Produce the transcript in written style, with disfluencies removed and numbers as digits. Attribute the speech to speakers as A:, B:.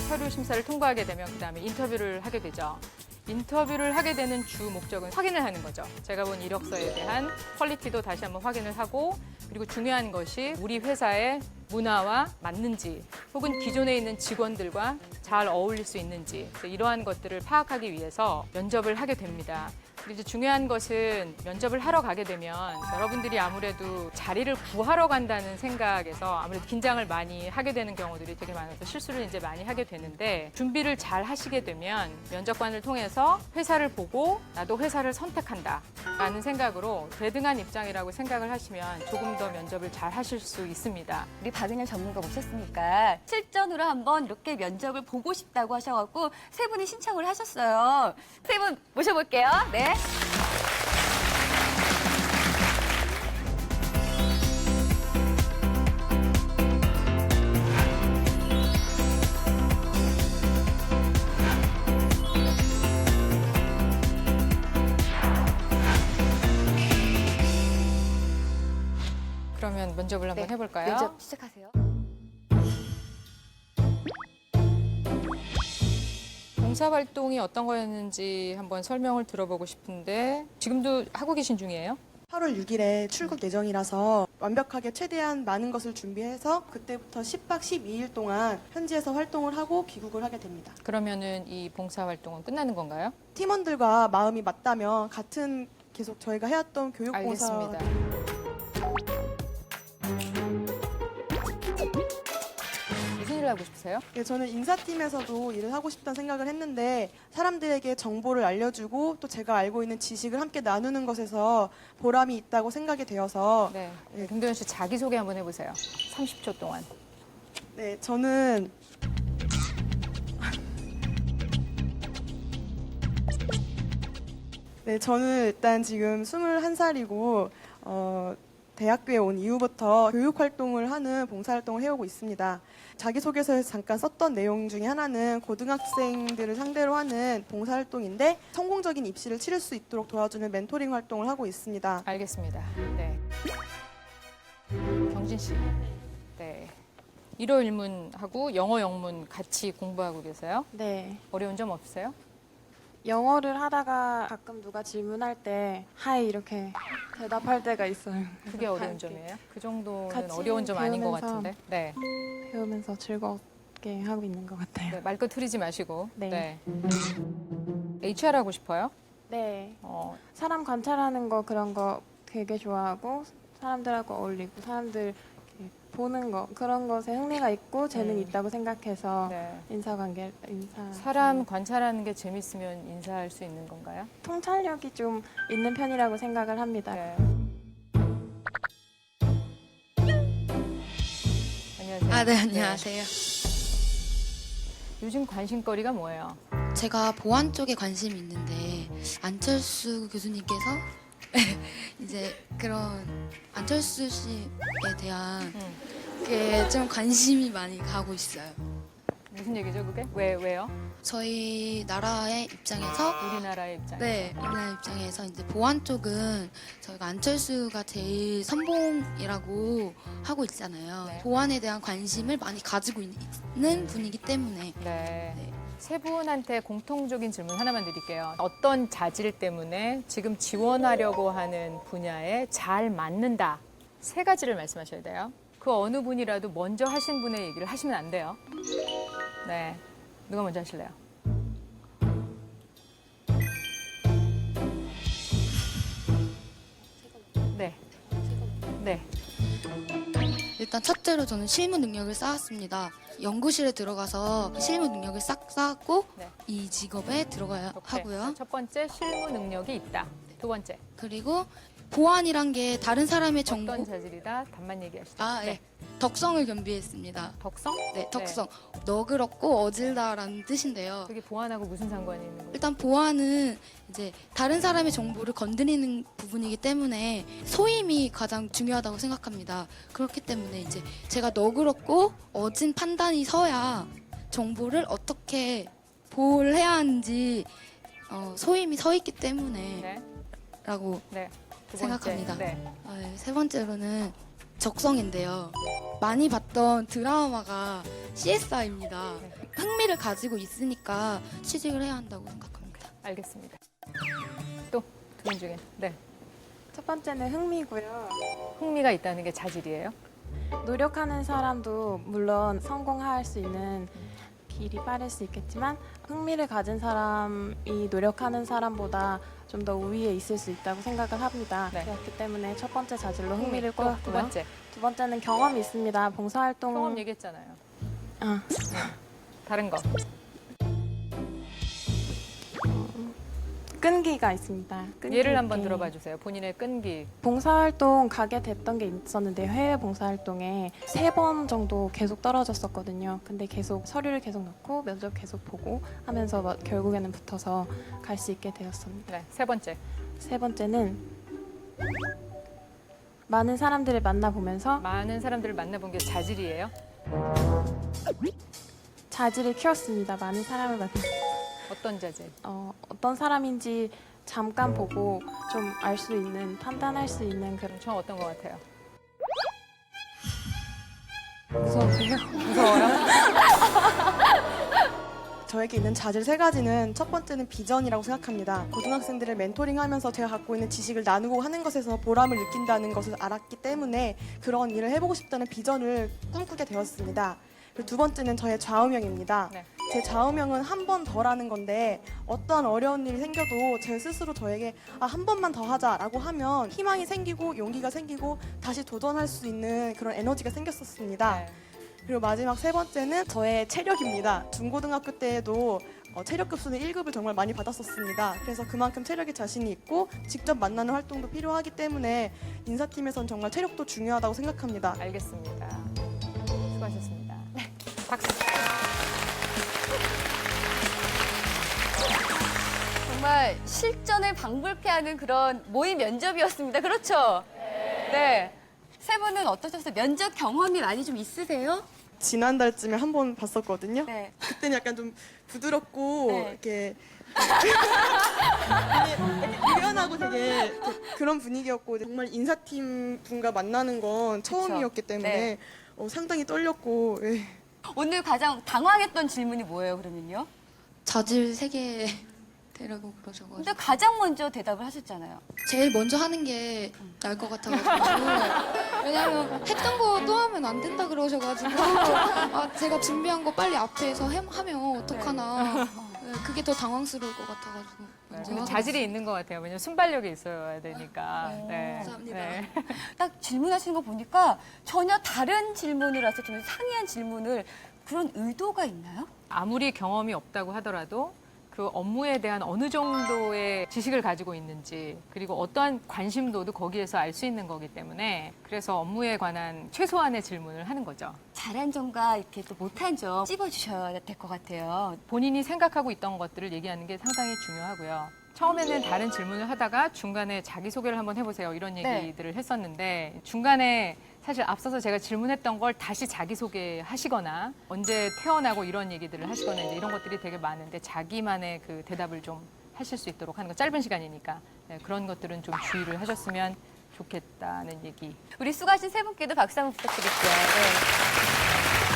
A: 서류 심사를 통과하게 되면 그다음에 인터뷰를 하게 되죠. 인터뷰를 하게 되는 주 목적은 확인을 하는 거죠. 제가 본 이력서에 대한 퀄리티도 다시 한번 확인을 하고, 그리고 중요한 것이 우리 회사의 문화와 맞는지, 혹은 기존에 있는 직원들과 잘 어울릴 수 있는지, 이러한 것들을 파악하기 위해서 면접을 하게 됩니다. 그리고 이제 중요한 것은 면접을 하러 가게 되면 여러분들이 아무래도 자리를 구하러 간다는 생각에서 아무래도 긴장을 많이 하게 되는 경우들이 되게 많아서 실수를 이제 많이 하게 되는데, 준비를 잘 하시게 되면 면접관을 통해서 회사를 보고 나도 회사를 선택한다 라는 생각으로 대등한 입장이라고 생각을 하시면 조금 더 면접을 잘 하실 수 있습니다.
B: 우리 박은영 전문가 모셨으니까 실전으로 한번 이렇게 면접을 보고 싶다고 하셔갖고 세 분이 신청을 하셨어요. 세 분 모셔볼게요. 네.
A: 그러면 면접을 한번 해볼까요?
B: 면접 시작하세요.
A: 봉사활동이 어떤 거였는지 한번 설명을 들어보고 싶은데, 지금도 하고 계신 중이에요?
C: 8월 6일에 출국 예정이라서 완벽하게 최대한 많은 것을 준비해서 그때부터 10박 12일 동안 현지에서 활동을 하고 귀국을 하게 됩니다.
A: 그러면은 이 봉사활동은 끝나는 건가요?
C: 팀원들과 마음이 맞다면 같은 계속 저희가 해왔던 교육봉사
A: 알겠습니다. 무슨 일을 하고 싶으세요?
C: 네, 저는 인사팀에서도 일을 하고 싶다는 생각을 했는데 사람들에게 정보를 알려주고 또 제가 알고 있는 지식을 함께 나누는 것에서 보람이 있다고 생각이 되어서
A: 네. 김도현 씨 자기소개 한번 해보세요. 30초 동안.
C: 네, 저는 네, 저는 일단 지금 21살이고 대학교에 온 이후부터 교육활동을 하는 봉사활동을 해오고 있습니다. 자기소개서에서 잠깐 썼던 내용 중에 하나는 고등학생들을 상대로 하는 봉사활동인데 성공적인 입시를 치를 수 있도록 도와주는 멘토링 활동을 하고 있습니다.
A: 알겠습니다. 네. 경진 씨. 네. 일어 일문하고 영어 영문 같이 공부하고 계세요?
D: 네.
A: 어려운 점 없으세요?
D: 영어를 하다가 가끔 누가 질문할 때 하이 이렇게 대답할 때가 있어요.
A: 그게 어려운
D: 함께
A: 점이에요? 그 정도는
D: 같이
A: 어려운 점 아닌 것
D: 배우면서
A: 같은데. 네.
D: 배우면서 즐겁게 하고 있는 것 같아요.
A: 네. 말끝 흐리지 마시고.
D: 네.
A: HR 하고 싶어요?
D: 네.
A: 어,
D: 사람 관찰하는 거 그런 거 되게 좋아하고 사람들하고 어울리고 사람들 이렇게 보는 거 그런 것에 흥미가 있고 재능이 있다고 생각해서
A: 네.
D: 인사
A: 사람 관찰하는 게 재밌으면 인사할 수 있는 건가요?
D: 통찰력이 좀 있는 편이라고 생각을 합니다.
A: 네. 안녕하세요.
E: 아, 네, 안녕하세요.
A: 요즘 관심거리가 뭐예요?
E: 제가 보안 쪽에 관심이 있는데 안철수 교수님께서 이제 그런 안철수 씨에 대한 게 좀 관심이 많이 가고 있어요.
A: 무슨 얘기죠, 그게? 왜요?
E: 저희 나라의 입장에서
A: 우리나라의 입장에서.
E: 네, 우리나라 입장에서 이제 보안 쪽은 저희가 안철수가 제일 선봉이라고 하고 있잖아요.
A: 네.
E: 보안에 대한 관심을 많이 가지고 있는 분이기 때문에
A: 네.
E: 네.
A: 세 분한테 공통적인 질문 하나만 드릴게요. 어떤 자질 때문에 지금 지원하려고 하는 분야에 잘 맞는다. 세 가지를 말씀하셔야 돼요. 그 어느 분이라도 먼저 하신 분의 얘기를 하시면 안 돼요. 네. 누가 먼저 하실래요? 네. 네.
E: 일단 첫째로 저는 실무 능력을 쌓았습니다. 연구실에 들어가서 실무 능력을 싹 쌓았고
A: 네.
E: 이 직업에 들어가야
A: 오케이.
E: 하고요.
A: 첫 번째, 실무 능력이 있다. 두 번째,
E: 그리고 보안이란 게 다른 사람의 정보,
A: 어떤 자질이다. 답만 얘기하시죠.
E: 아, 네. 덕성을 겸비했습니다.
A: 덕성?
E: 네, 덕성. 너그럽고 어질다라는 뜻인데요.
A: 그게 보안하고 무슨 상관이 있는 거예요?
E: 일단 보안은 이제 다른 사람의 정보를 건드리는 부분이기 때문에 소임이 가장 중요하다고 생각합니다. 그렇기 때문에 이제 제가 너그럽고 어진 판단이 서야 정보를 어떻게 보호를 해야 하는지 소임이 서 있기 때문에
A: 네.
E: 라고
A: 네. 두 번째.
E: 생각합니다.
A: 네.
E: 세 번째로는 적성인데요. 많이 봤던 드라마가 CSI입니다. 흥미를 가지고 있으니까 취직을 해야 한다고 생각합니다.
A: 알겠습니다. 또 두 분 중에 네
D: 첫 번째는 흥미고요.
A: 흥미가 있다는 게 자질이에요.
D: 노력하는 사람도 물론 성공할 수 있는 길이 빠를 수 있겠지만 흥미를 가진 사람이 노력하는 사람보다 좀 더 우위에 있을 수 있다고 생각을 합니다.
A: 네.
D: 그렇기 때문에 첫 번째 자질로 흥미를
A: 또 두
D: 꼽았고요.
A: 번째
D: 두 번째는 경험이 있습니다. 봉사활동
A: 경험 얘기했잖아요.
D: 아,
A: 다른 거
D: 끈기가 있습니다. 끈기
A: 예를 한번
D: 있게.
A: 들어봐 주세요. 본인의 끈기.
D: 봉사활동 가게 됐던 게 있었는데 해외 봉사활동에 3번 정도 계속 떨어졌었거든요. 근데 계속 서류를 계속 넣고 면접 계속 보고 하면서 결국에는 붙어서 갈 수 있게 되었습니다.
A: 네, 세 번째.
D: 세 번째는 많은 사람들을 만나보면서
A: 많은 사람들을 만나본 게 자질이에요.
D: 자질을 키웠습니다. 많은 사람을 만나
A: 어떤 자질?
D: 어떤 사람인지 잠깐 보고 좀 알 수 있는 판단할 수 있는 그런
A: 저 어떤 것 같아요?
D: 무서우세요?
C: 저에게 있는 자질 3가지는 첫 번째는 비전이라고 생각합니다. 고등학생들을 멘토링하면서 제가 갖고 있는 지식을 나누고 하는 것에서 보람을 느낀다는 것을 알았기 때문에 그런 일을 해보고 싶다는 비전을 꿈꾸게 되었습니다. 그리고 두 번째는 저의 좌우명입니다.
A: 네.
C: 제 좌우명은 한 번 더라는 건데 어떠한 어려운 일이 생겨도 제 스스로 저에게 한 번만 더 하자라고 하면 희망이 생기고 용기가 생기고 다시 도전할 수 있는 그런 에너지가 생겼었습니다.
A: 네.
C: 그리고 마지막 세 번째는 저의 체력입니다. 중고등학교 때에도 체력 급수는 1급을 정말 많이 받았었습니다. 그래서 그만큼 체력에 자신이 있고 직접 만나는 활동도 필요하기 때문에 인사팀에선 정말 체력도 중요하다고 생각합니다.
A: 알겠습니다. 수고하셨습니다. 네. 박수.
B: 정말 실전을 방불케 하는 그런 모의 면접이었습니다. 그렇죠? 네. 세 분은 어떠셨어요? 면접 경험이 많이 좀 있으세요?
C: 지난달쯤에 한 번 봤었거든요.
B: 네.
C: 그때는 약간 좀 부드럽고
B: 네.
C: 이렇게 유연하고 되게 그런 분위기였고 정말 인사팀 분과 만나는 건 처음이었기 때문에
B: 네.
C: 상당히 떨렸고 예.
B: 오늘 가장 당황했던 질문이 뭐예요, 그러면요?
E: 자질 3개 되라고 그러셔가지고
B: 근데 가장 먼저 대답을 하셨잖아요.
E: 제일 먼저 하는 게 나을 것 같아가지고 왜냐면 했던 거 또 하면 안 된다 그러셔가지고 제가 준비한 거 빨리 앞에서 하면 어떡하나 네, 그게 더 당황스러울 것 같아가지고 먼저
A: 근데
E: 하게
A: 자질이 있는 것 같아요. 왜냐면 순발력이 있어야 되니까. 네.
E: 감사합니다.
A: 네.
B: 딱 질문하시는 거 보니까 전혀 다른 질문을 하셔서 좀 상이한 질문을 그런 의도가 있나요?
A: 아무리 경험이 없다고 하더라도 그 업무에 대한 어느 정도의 지식을 가지고 있는지 그리고 어떠한 관심도도 거기에서 알 수 있는 거기 때문에 그래서 업무에 관한 최소한의 질문을 하는 거죠.
B: 잘한 점과 이렇게 또 못한 점 찝어주셔야 될 것 같아요.
A: 본인이 생각하고 있던 것들을 얘기하는 게 상당히 중요하고요. 처음에는 다른 질문을 하다가 중간에 자기소개를 한번 해보세요. 이런
B: 네.
A: 얘기들을 했었는데 중간에 사실 앞서서 제가 질문했던 걸 다시 자기소개 하시거나 언제 태어나고 이런 얘기들을 하시거나 이제 이런 것들이 되게 많은데 자기만의 그 대답을 좀 하실 수 있도록 하는 거 짧은 시간이니까 네, 그런 것들은 좀 주의를 하셨으면 좋겠다는 얘기.
B: 우리 수고하신 세 분께도 박수 한번 부탁드릴게요. 네.